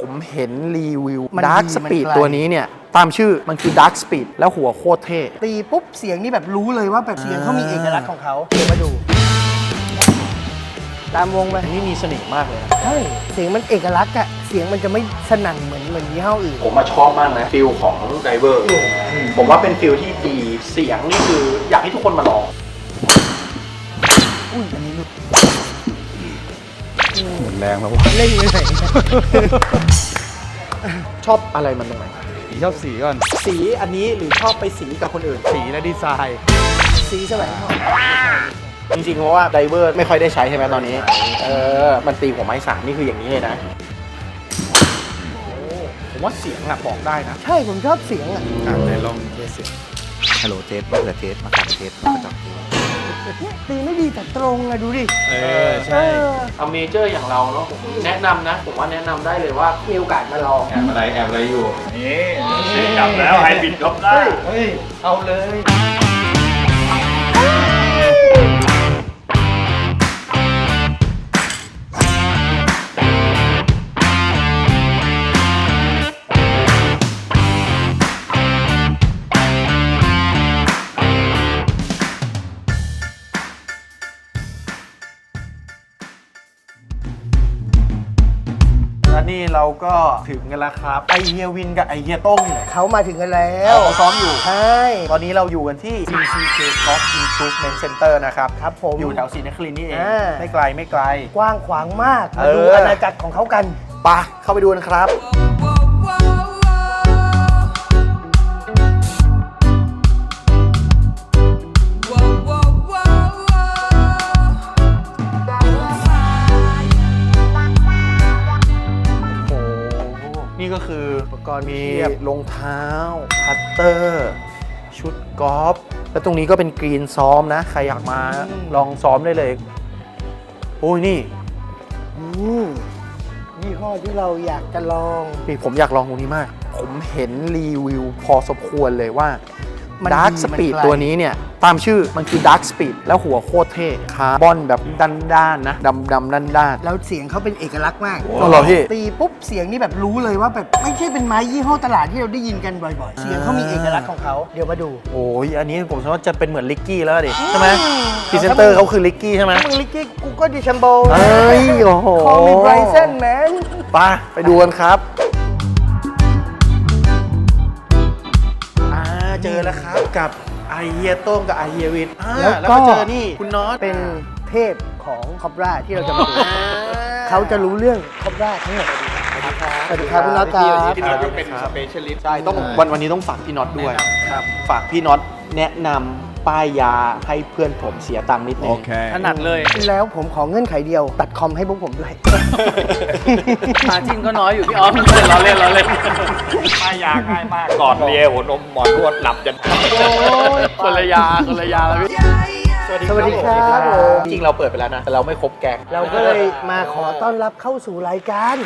ผมเห็นรีวิว Dark Speed ตัวนี้เนี่ยตามชื่อมันคือ Dark Speed แล้วหัวโคตรเท่ตีปุ๊บเสียงนี่แบบรู้เลยว่าแบบเสียงเขามีเอกลักษณ์ของเขาเดี๋ยวมาดูตามวงไปนี่มีเสน่ห์มากเลยนะใช่เสียงมันเอกลักษณ์อะเสียงมันจะไม่สนั่นเหมือนยี่ห้ออื่นผมมาชอบมากนะฟิลของไดเวอร์ผมว่าเป็นฟิลที่ดีเสียงนี่คืออยากให้ทุกคนมาลองอุ้ยอันนี้ลูกหมดแรงแล้ววะเล่นเลยไหนชอบอะไรมันตรงไหนชอบสีก่อนสีอันนี้หรือชอบไปสีกับคนอื่นสีและดีไซน์สีสมัยก่อนจริงๆเพราะว่าไดเวอร์ไม่ค่อยได้ใช้ใช่ไหมตอนนี้มันตีหัวไม้สามนี่คืออย่างนี้เลยนะผมว่าเสียงอะบอกได้นะใช่ผมชอบเสียงอะไหนลองเทสเสียงฮัลโหลเทสมะเขือเทสมะขามเทสมะกระจอกเทสตีไม่ดีแต่ตรงอะดูดิใช่เอาเมเจอร์อย่างเราเนาะผมแนะนำนะผมว่าแนะนำได้เลยว่ามีโอกาสมาลองแอบอะไรอยู่นี่จับแล้วไฮบริดยกได้เฮ้ยเอาเลยนี่เราก็ถึงกันแล้วครับไอเฮียวินกับไอเฮียต้งอยู่ไหนเขามาถึงกันแล้วเขาซ้อมอยู่ใช่ตอนนี้เราอยู่กันที่ CCK Golf Improvement Center นะครับครับผมอยู่แถวศรีนครินทร์นี่เองไม่ไกลกว้างขวางมากมาดูอาณาจักรของเขากันไปเข้าไปดูกันครับนี่ก็คืออุปกรณ์มีรองเท้าพัตเตอร์ชุดกอล์ฟแล้วตรงนี้ก็เป็นกรีนซ้อมนะใครอยากมาลองซ้อมได้เลยโอ้ยนี่ยี่ห้อที่เราอยากจะลองนี่ผมอยากลองตรงนี้มากผมเห็นรีวิวพอสมควรเลยว่า Dark Speed ตัวนี้เนี่ยตามชื่อมันคือ Dark Speed แล้วหัวโคตรเท่คาร์บอนแบบด้านๆนะดำด้านแล้วเสียงเขาเป็นเอกลักษณ์มากตีปุ๊บเสียงนี่แบบรู้เลยว่าแบบไม่ใช่เป็นไม้ยี่ห้อตลาดที่เราได้ยินกันบ่อยๆเสียงเขามีเอกลักษณ์ของเขาเดี๋ยวมาดูโอ้ยอันนี้ผมคิดว่าจะเป็นเหมือนลิกกี้แล้วดิใช่ไหมพรีเซนเตอร์เขาคือลิกกี้ใช่ไหมมึงลิกกี้กูก็ดิชัมโบเฮ้ยโอ้โหคอมีไบรเซนแมนไปดูกันครับเจอแล้วครับกับไอเฮียโต้งกับไอเฮียวินแล้วก็เจอนี่คุณน็อตเป็นเทพของคอบราที่เราจะมาดูเขาจะรู้เรื่องคอบราทั้งหมดสวัสดีครับคุณน็อตครับพี่น็อตเป็นสเปเชียลิสต์ใช่ต้องวันนี้ต้องฝากพี่น็อตด้วยครับฝากพี่น็อตแนะนำป้ายยาให้เพื่อนผมเสียตังค์นิดนึงถนัดเลยแล้วผมขอเงื่อนไขเดียวตัดคอมให้พวกผมด้วยมาจิ้นก็น้อยอยู่พี่ออฟเราเล่นป้ายยาง่ายมากก่อนเลียหัวนมหมอนวดหลับจนคนละยาแล้วพี่สวัสดีครับจริงเราเปิดไปแล้วนะแต่เราไม่ครบแก๊งเราก็เลยมาขอต้อนรับเข้าสู่รายการ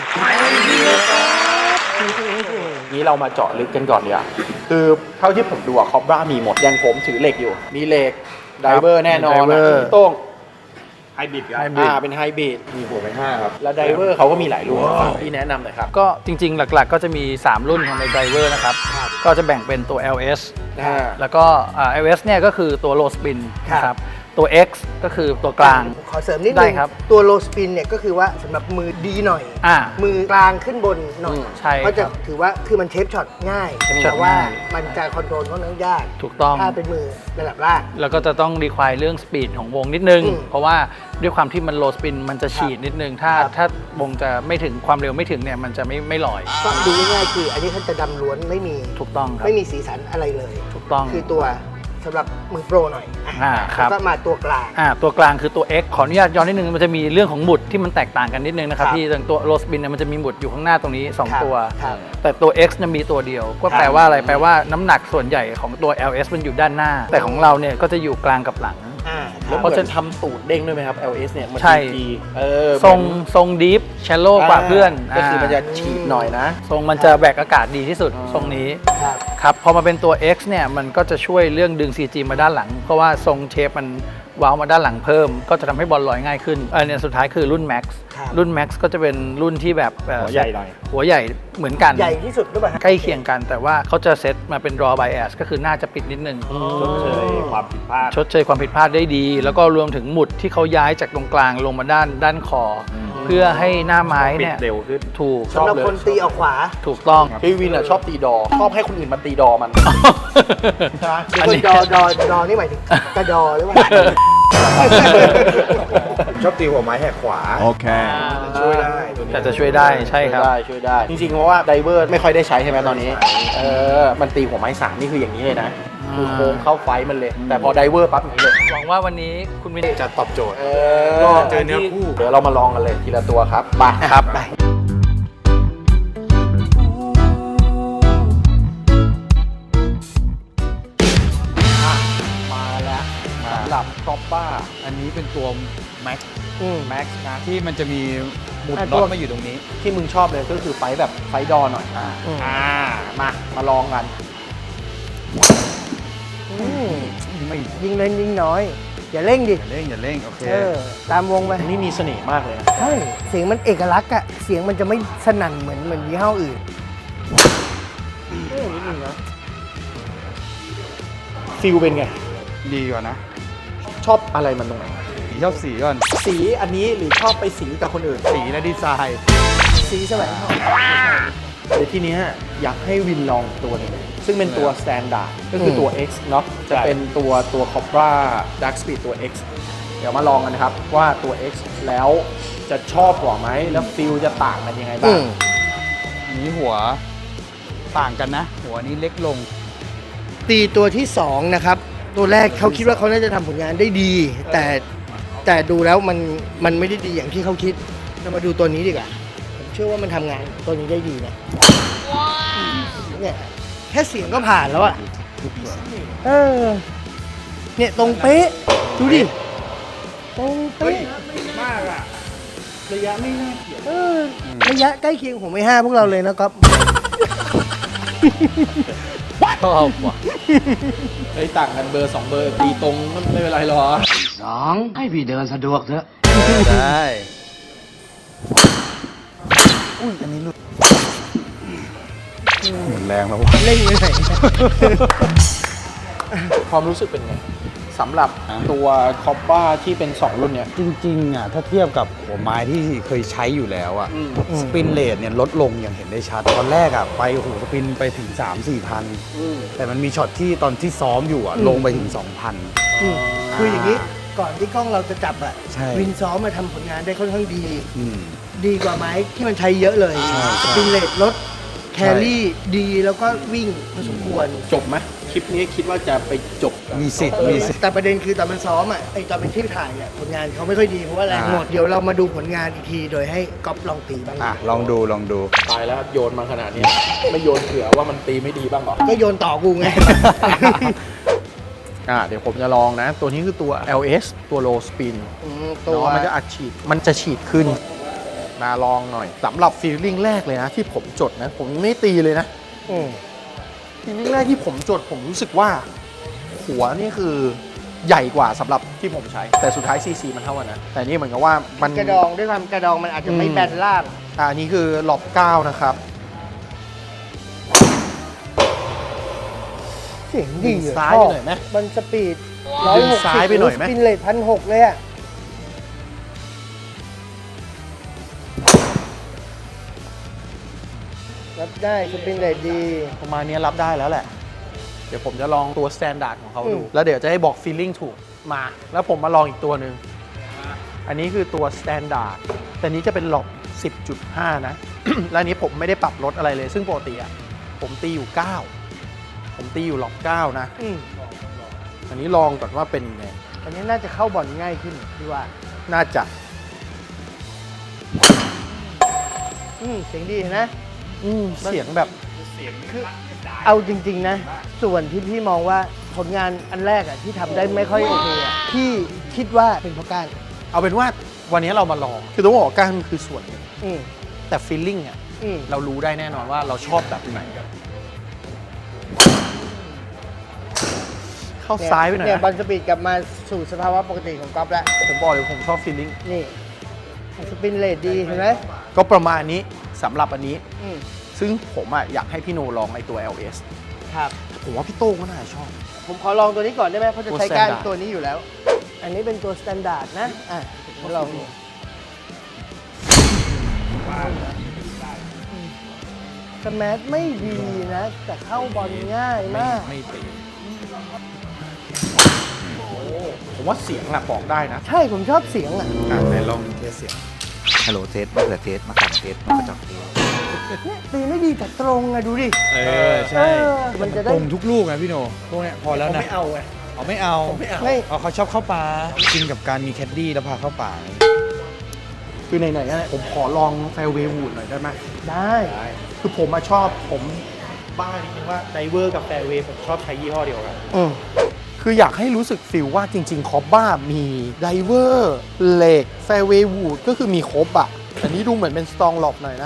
นี้เรามาเจาะลึกกันก่อนดีกว่าคือเท่าที่ผมดูอะคอบรามีหมดอย่างผมถือเหล็กอยู่มีเหล็กไดเวอร์แน่นอนโต้งไฮบริดเป็นไฮบริดมีหัวเป็น5ครับแล้วไดเวอร์เขาก็มีหลายรุ่นพี่แนะนำหน่อยครับก็จริงๆหลักๆก็จะมี3รุ่นของในไดเวอร์นะครับก็จะแบ่งเป็นตัว LS แล้วก็ LS เนี่ยก็คือตัว low spin นะครับตัว X ก็คือตัวกลางขอเสริมนิดนึงตัว low spin เนี่ยก็คือว่าสำหรับมือดีหน่อยมือกลางขึ้นบนหน่อยก็จะถือว่าคือมันเทปช็อตง่ายแต่ว่ามันจะคอนโทรลค่อนข้างยากถูกต้องถ้าเป็นมือระดับล่างแล้วก็จะต้องรีควายเรื่องสปีดของวงนิดนึงเพราะว่าด้วยความที่มัน low spin มันจะฉีดนิดนึงถ้าวงจะไม่ถึงความเร็วไม่ถึงเนี่ยมันจะไม่ลอยก็ดูง่ายๆคืออันนี้เขาจะดำล้วนไม่มีถูกต้องครับไม่มีสีสันอะไรเลยถูกต้องคือตัวสำหรับมือโปรหน่อยครับก็มาตัวกลางตัวกลางคือตัว X ขออนุญาตย้อนนิดนึงมันจะมีเรื่องของหมุดที่มันแตกต่างกันนิดนึงนะครับที่ตัวโรสบินมันจะมีหมุดอยู่ข้างหน้าตรงนี้2ตัวแต่ตัว X จะมีตัวเดียวก็แปลว่าอะไรแปลว่าน้ำหนักส่วนใหญ่ของตัว LS มันอยู่ด้านหน้าแต่ของเราเนี่ยก็จะอยู่กลางกับหลังแล้วเพราะจะทำตูดเด้งด้วยไหมครับ LS เนี่ยมันดีทรงดีฟแชลโลกว่าเพื่อนก็คือมันจะฉีดหน่อยนะทรงมันจะแบกอากาศดีที่สุดทรงนี้ครับพอมาเป็นตัว X เนี่ยมันก็จะช่วยเรื่องดึง CG มาด้านหลังเพราะว่าทรงเชฟมันวาล์วมาด้านหลังเพิ่มก็จะทำให้บอลลอยง่ายขึ้นเนี่ยสุดท้ายคือรุ่น Max รุ่น Max ก็จะเป็นรุ่นที่แบบหัวใหญ่หน่อยหัวใหญ่เหมือนกันใหญ่ที่สุดหรือเปล่าใกล้เคียงกันแต่ว่าเขาจะเซตมาเป็น draw bias ก็คือหน้าจะปิดนิดนึงชดเชยความผิดพลาดได้ดี แล้วก็รวมถึงหมุดที่เขาย้ายจากตรงกลางลงมาด้านคอเพื่อให้หน้าไม้เนี่ยเร็วขึ้นถูกสำหรับคนตีออกขวาถูกต้องพี่วินชอบตีดอชอบให้คนอื่นมาตีดอมันใช่ไหมเดี๋ยวคนดอนี่หมายถึงกระดอหรือเปล่าชอบตีหัวไม้แหกขวาโอเคช่วยได้ตัวนี้แต่จะช่วยได้ใช่ครับช่วยได้จริงๆเพราะว่าไดเวอร์ไม่ค่อยได้ใช้ใช่ไหมตอนนี้มันตีหัวไม้3นี่คืออย่างนี้เลยนะคือโค้งเข้าไฟมันเลย แต่พอไดเวอร์ปั๊บอย่างนี้เลยหวังว่าวันนี้คุณวินจะตอบโจทย์ก็เจอเนื้อคู่เดี๋ยวเรามาลองกันเลยทีละตัวครับไปครับไปมาแล้วสำหรับคอปป้าอันนี้เป็นตัว Max แม็กซ์นะที่มันจะมีหมุดอ่ะน็อตัตวมาอยู่ตรงนี้ที่มึงชอบเลยก็คือไฟแบบไฟดอหน่อยมาลองกันยิงเล่นยิงน้อย อย่าเร่งดิอย่าเร่ง โอเคตามวงไปอันนี้มีเสน่ห์มากเลยนะใช่เสียงมันเอกลักษณ์อะเสียงมันจะไม่สนั่นเหมือนยี่ห้ออื่นฟิลเป็นไงดีกว่านะชอบอะไรมันตรงไหนชอบสีก่อนสีอันนี้หรือชอบไปสีกับคนอื่นสีและดีไซน์สีสมัยก่อนเดี๋ยวทีเนี้ยอยากให้วินลองตัวหนึงซึ่งเป็นตัว Standard ก็คือตัว X เนาะจะเป็นตัว Cobra Dark Speed ตัว X เดี๋ยวมาลองกันนะครับว่าตัว X แล้วจะชอบกว่าไหมแล้วฟิลจะต่างกันยังไงบ้างนี้หัวต่างกันนะ หัวนี้เล็กลงตีตัวที่ 2 นะครับ ตัวแรกเขาคิดว่าเขาน่าจะทำผลงานได้ดี แต่ดูแล้วมันไม่ได้ดีอย่างที่เขาคิดเรามาดูตัวนี้ดีกว่าผมเชื่อว่ามันทำงานตัวนี้ได้ดีนะเนี่ยแค่เสียงก็ผ่านแล้วอะเนี่ยตรงเป๊ะดูดิตรงเป๊ะระยะไม่น่าเกลียดระยะใกล้เคียงผมไม่ห้าพวกเราเลยนะครับชอบว่ะเฮ้ยต่างกันเบอร์ 2 เบอร์ตีตรงไม่เป็นไรหรอได้ หมดแรงแล้ววะเล่นไปไหนความรู้สึกเป็นไงสำหรับตัวคอปป้าที่เป็น 2 รุ่นเนี่ยจริงๆอ่ะถ้าเทียบกับหัวไม้ที่เคยใช้อยู่แล้วอ่ะสปินเรทเนี่ยลดลงอย่างเห็นได้ชัด ตอนแรกอ่ะไปโอ้โหสปินไปถึง 3-4 พัน แต่มันมีช็อตที่ตอนที่ซ้อมอยู่อ่ะลงไปถึง 2,000 คืออย่างนี้ก่อนที่กล้องเราจะจับอะใช่วินซ้อมมาทำผลงานได้ค่อนข้างดีอืมดีกว่าไม้ที่มันใช้เยอะเลยใช่สปินเลทลดแครี่ดีแล้วก็วิ่งพอสมควรจบไหมคลิปนี้คิดว่าจะไปจบมีสิทธิ์มีสิทธิ์แต่ประเด็นคือตอนมันซ้อมอ่ะไอตอนเป็นที่ถ่ายเนี่ยผลงานเขาไม่ค่อยดีเพราะว่าแรงหมดเดี๋ยวเรามาดูผลงานอีกทีโดยให้ก๊อฟลองตีบ้างอ่ะลองดูตายแล้วโยนมาขนาดนี้ ไม่โยนเผื่อว่ามันตีไม่ดีบ้างเหรอก็โยนต่อกูไงเดี๋ยวผมจะลองนะ ตัวนี้คือตัว LS ตัว low spin ตัวเนาะมันจะอัดฉีดมันจะฉีดขึ้นมาลองหน่อยสำหรับฟีลลิ่งแรกเลยนะ ที่ผมจดนะ ผมยังไม่ตีเลยนะ ฟีลลิ่งแรกที่ผมจดผมรู้สึกว่า หัวนี่คือใหญ่กว่าสำหรับที่ผมใช้ แต่สุดท้าย CC มันเท่ากันนะ แต่นี่เหมือนกับว่ามันกระดองด้วยความกระดองมันอาจจะไม่แบนล่างอันนี้คือหลบ9นะครับเสียงดีดึงซ้ายไปหน่อยไหมมันสปีดดึงซ้ายไปหน่อยไหมสปินเลท1,600เลยอ่ะรับได้สปินเลทดีประมาณนี้รับได้แล้วแหละ เดี๋ยวผมจะลองตัว standard ของเขาดู แล้วเดี๋ยวจะให้บอก feeling ถูกมา แล้วผมมาลองอีกตัวหนึ่ง อันนี้คือตัว standard แต่นี้จะเป็นหลบ 10.5 นะ และอันนี้ผมไม่ได้ปรับลดอะไรเลย ซึ่งปกติอะผมตีอยู่ 9 ผมตีอยู่หลบ 9 นะ อันนี้ลองก่อนว่าเป็นยังไงอันนี้น่าจะเข้าบอลง่ายขึ้นพี่ว่าน่าจะเสียงดีเห็นนะเสียงแบบคือเอาจริงๆนะ ส่วนที่พี่มองว่าผลงานอันแรกอะที่ทำได้ไม่ค่อยโอเคอะพี่คิดว่าเป็นเพราะการเอาเป็นว่าวันนี้เรามาลอง คือต้องบอกว่าการคือส่วนหนึ่งอืมแต่ feeling อะอืมเรารู้ได้แน่นอนว่าเราชอบแบบไหน เข้เข้าซ้ายไปหน่อยเนี่ยนะบอลสปีดกลับมาสู่สภาวะปกติของก๊อฟแล้วผมบอกเลยผมชอบฟีลลิ่งนี่สปินเลทดีเห็นไหมก็ประมาณนี้สำหรับอันนี้อืมซึ่งผมอ่ะอยากให้พี่โนลองไอตัว LS ครับผมว่าพี่โต้งก็น่าจะชอบผมขอลองตัวนี้ก่อนได้ไหมเพราะจะตัวใช้ก้าน standard ตัวนี้อยู่แล้ว อันนี้เป็นตัวสแตนดาร์ดนะลองดูสแมัไม่ดีนะ แต่เข้าบอลง่ายมากไม่ตีผมว่าเสียงแหละบอกได้นะใช่ผมชอบเสียงอ่ะไหนลองเทสเสียงฮัลโหลเทสมะเขือเทสมะขามเทสมะกระจอกเทสเนี่ยตีไม่ดีแต่ตรงอะดูดิใช่มันจะได้ตรงทุกลูกนะพี่โนพวกเนี้ยพอแล้วนะไม่เอาไงเอาไม่เอาไม่เอาเขาชอบเข้าป่ากินกับการมีแคดดี้แล้วพาเข้าป่าไงคือไหนๆอะผมขอลองแฟร์เวย์วูดหน่อยได้ไหมได้คือผมมาชอบผมบ้านิดนึงว่าไดเวอร์กับแฟร์เวย์ผมชอบใช้ยี่ห้อเดียวกันอืมคืออยากให้รู้สึกฟิลว่าจริงๆคอบบ้ามีไดเวอร์เหล็กแฟร์เวย์วูดก็คือมีครบอ่ะอันนี้ดูเหมือนเป็นสตองหลบหน่อยนะ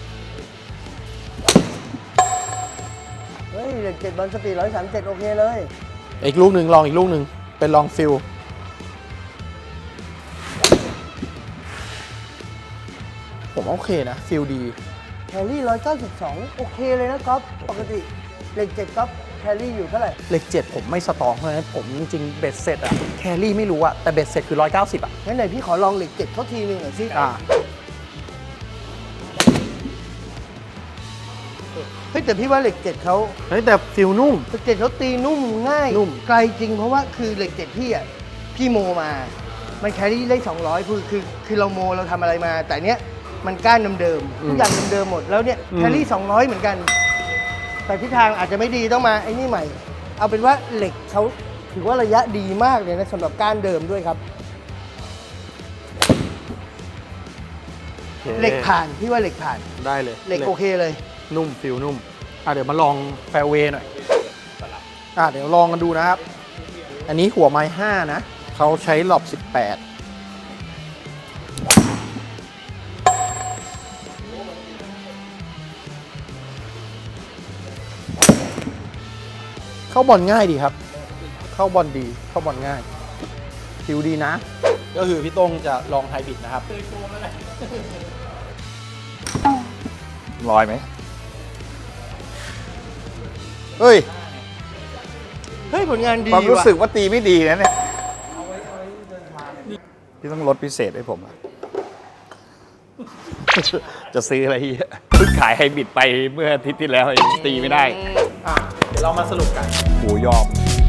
เฮ้ยเหล็ก7บอลสปีด137โอเคเลยอีกลูกหนึ่งลองอีกลูกหนึ่งเป็นลองฟิลผมว่าโอเคนะฟิลดีแคลรี่192โอเคเลยนะก๊อฟปกติเหล็ก7ก๊อฟแคลรี่อยู่เท่าไหร่เหล็ก7ผมไม่สตองเพราะฉะนั้นผมจริงๆเบ็ดเสร็จอะแครี่ไม่รู้อะแต่เบ็ดเสร็จคือ190อะงั้นไหนพี่ขอลองเหล็ก7เขาทีนึงหน่อยสิ เฮ้ยแต่พี่ว่าเหล็ก7เขาเฮ้ยแต่ฟิลนุ่มเหล็ก7เขาตีนุ่มง่ายนุ่มไกลจริงเพราะว่าคือเหล็ก7พี่อ่ะพี่โมมา มันแครี่ได้200คือเราโมเราทำอะไรมา แต่เนี้ยมันก้านเดิมๆทุกอย่างเดิมๆหมดแล้วเนี่ยแครี่200เหมือนกัน แต่ทิศทางอาจจะไม่ดีต้องมาไอ้นี่ใหม่ เอาเป็นว่าเหล็กเขาถือว่าระยะดีมากเลยนะสำหรับก้านเดิมด้วยครับ เหล็กผ่านพี่ว่าเหล็กผ่านได้เลยเหล็กโอเคเลยนุ่มฟิลนุ่มเดี๋ยวมาลองแฟร์เวย์หน่อยเดี๋ยวลองกันดูนะครับ อันนี้หัวไม้5นะเขาใช้หลอบ18เข้าบอลง่ายดีครับ เข้าบอลดีเข้าบอลง่ายฟิลดีนะ ก็คือพี่โต้งจะลองไฮบริดนะครับลอยไหมเฮ้ยเฮ้ยผลงานดีความรู้ว่ะสึกว่าตีไม่ดีนะเนี่ยพี่ต้องลดพิเศษให้ผมอะ จะซื้ออะไรเยอะเพิ่งขายไฮบริดไปเมื่ออาทิตย์ที่แล้วเองตีไม่ได้เดี๋ยวเรามาสรุปกันโหยอม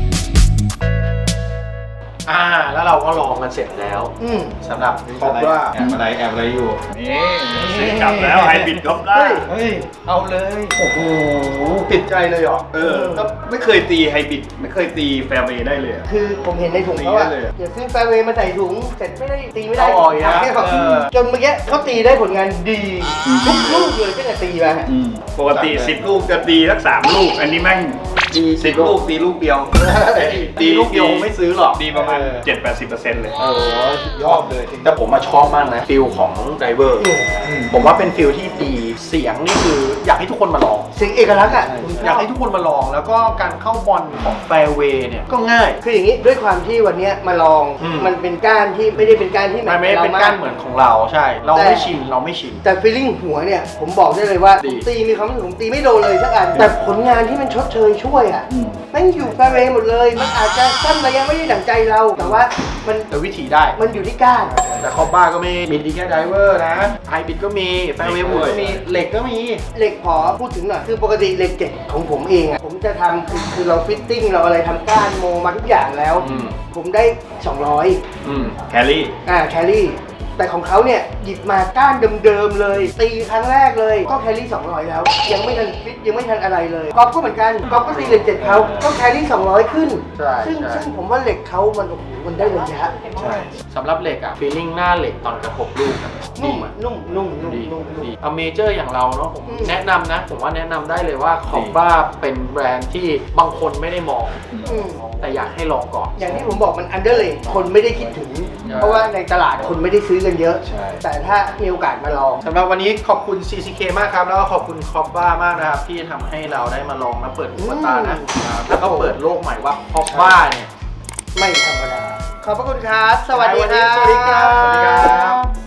แล้วเราก็ลองกันเสร็จแล้วอืมสำหรับคอบว่าแอบอะไรอยู่นี่ซื้อกลับแล้วไฮบริดก็ได้เฮ้ย เอาเลยโอ้โหติดใจเลยเหรอก็ไม่เคยตีไฮบริดไม่เคยตีแฟร์เวย์ได้เลยอะคือผมเห็นในถุงเขาอะตีได้เลยอะอย่าซื้อแฟร์เวย์มาใส่ถุงเสร็จไม่ได้ตีไม่ได้เอาออกอีกนะเนี่ยจนเมื่อกี้เขาตีได้ผลงานดีทุกลูกเลยก็จะตีมาปกติ 10 ลูกจะตีสัก3 ลูก อันนี้แม่งดี10 ลูกตีลูกเดียวตีลูกเดียวไม่ซื้อหรอกดีประมาณ 7-80% เลยยอดเลยแต่ผมมาชอบมากนะฟิลของไดเวอร์ผมว่าเป็นฟิลที่ดีเสียงนี่คืออยากให้ทุกคนมาลองเสียงเอกลักษณ์อะผมชอยากอบให้ทุกคนมาลองแล้วก็การเข้าบอลของแฟร์เวย์เนี่ยก็ง่ายคืออย่างนี้ด้วยความที่วันเนี้ยมาลอง มันเป็นก้านที่ไม่ได้เป็นก้านที่มันไม่ได้เป็นก้านเหมือนของเราใช่ เราไม่ชินเราไม่ชินแต่ฟีลลิ่งหัวเนี่ยผมบอกได้เลยว่าดีผมตีมีความรู้สึกผมตีไม่โดนเลยสักอันแต่ผลงานที่มันชดเชยช่วยอะแม่งอยู่แฟร์เวย์หมดเลย มันอาจจะสั้นระยะไม่ได้ดั่งใจเรา แต่ว่ามันแต่วิธีได้มันอยู่ที่ก้านแต่คอปบ้าก็ไม่มีดีแค่ไดเวอร์นะไฮบริดก็มีแฟร์เวย์วูดก็มีเหล็กก็มีเหล็กขอพูดถึงหน่อยคือปกติเหล็กเจ็ดของผมเองอ่ะผมจะทำคือเราฟิตติ้งเราอะไรทำก้านโมมาทุกอย่างแล้ว ผมได้ 200 แครี่แคลรี่ แต่ของเขาเนี่ยหยิบมาก้านเดิมๆเลย ตีครั้งแรกเลยก็แคลรี่200แล้ว ยังไม่ทันฟิตยังไม่ทันอะไรเลยก๊อฟก็เหมือนกันก๊อฟก็ตีเหล็ก7เขาก็แคลรี่200ขึ้นใช่ซึ่งผมว่าเหล็กเขามันโอ้โหมันได้ระยะสำหรับเหล็กอะฟีลลิ่งหน้าเหล็กตอนกระทบลูกอะนุ่มอ่ะนุ่มนุ่มนุ่มดีนุ่มนุ่มดีเอาเมเจอร์อย่างเราเนาะผมอืมแนะนำนะ ผมว่าแนะนำได้เลยว่าคอปบ้าเป็นแบรนด์ที่บางคนไม่ได้มองอืมแต่อยากให้ลองก่อนอย่างที่ผมบอกมันอันเดอร์เลยคนไม่ได้คิดถึงเพราะว่าในตลาดคนไม่ได้ซื้อกันเยอะใช่แต่ถ้ามีโอกาสมาลองสำหรับวันนี้ขอบคุณ CCK มากครับ แล้วก็ขอบคุณคอปบ้ามากนะครับ ที่ทำให้เราได้มาลองและเปิดหูเปิดตานะครับแล้วก็เปิดโลกใหม่ว่าคอปบ้าเนี่ยไม่ธรรมดา ขอบพระคุณครับ สวัสดีครับสวัสดีครับ